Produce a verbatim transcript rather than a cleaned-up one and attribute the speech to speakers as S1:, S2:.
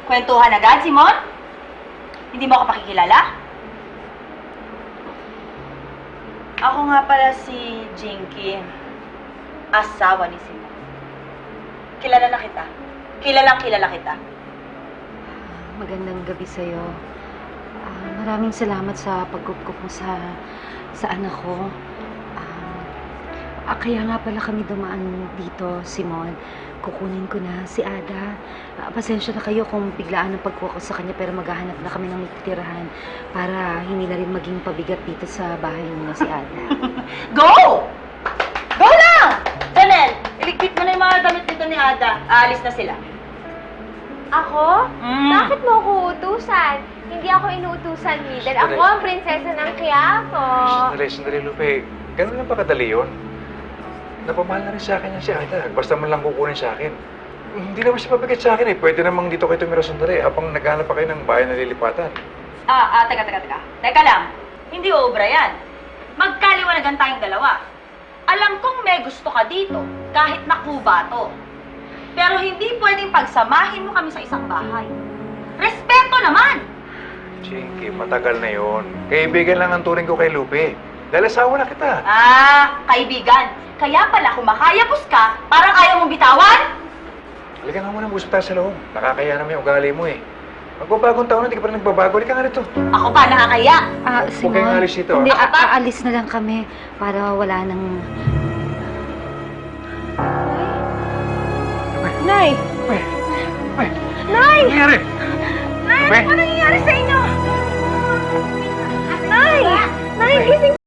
S1: Kwentuhan agad, Simon? Hindi mo ako pakikilala? Ako nga pala si Jinky, asawa ni Simon. Kilala na kita. Kilalang kilala kita.
S2: Magandang gabi sa'yo. Ah, maraming salamat sa pagkukup mo sa, sa anak ko. Ah, ah, kaya nga pala kami dumaan dito, Simon. Kukunin ko na si Ada. Ah, pasensya na kayo kung biglaan ang pagkuha ko sa kanya, pero maghahanap na kami ng titirahan para hindi na rin maging pabigat dito sa bahay niya si Ada.
S1: Go! Go lang! Janelle, iligpit mo na yung mga damit dito ni Ada. Aalis na sila.
S3: Ako?
S1: Mm.
S3: Bakit mo ako utusan? Hindi ako inuutusan, Mildred. Ako ang prinsesa ng Quiapo.
S4: Sandali, sandali, Lupe. Ganun lang ba kadali yun? Napamahal na rin sa akin yan si Ada. Basta man lang kukunin sa akin. Hindi naman siya pabigat sa akin eh. Pwede namang dito kayo tumira sandali habang naghanap pa kayo ng bahay na lilipatan.
S1: Ah, ah, teka, teka, teka. Teka lang. Hindi obra yan. Magkaliwanagan tayong dalawa. Alam kong may gusto ka dito, kahit nakuba to. Pero hindi pwedeng pagsamahin mo kami sa isang bahay. Respeto naman!
S4: Chinky, matagal na yon. Kaibigan lang ang turing ko kay Lupe. Dahil asawa na kita.
S1: Ah, kaibigan. Kaya pala kumakayapos ka, parang ayaw mong bitawan?
S4: Halika nga muna, mag-usap tayo sa loob. Nakakaya naman yung ugali mo eh. Magbabagong taon na, hindi ka pa rin nagbabago. Halika nga rito.
S1: Ako pa, nakakaya.
S2: Ah,
S4: Huwag
S2: Simon,
S4: kayong alis dito,
S2: hindi,
S4: ah.
S2: a- aalis na lang kami para wala nang...
S3: Nay!
S4: Uy! Uy!
S3: Nay!
S4: Ano nangyari?
S3: Nay!
S4: Uy!
S3: Ano nangyayari sa inyo? Nay! Nay, gising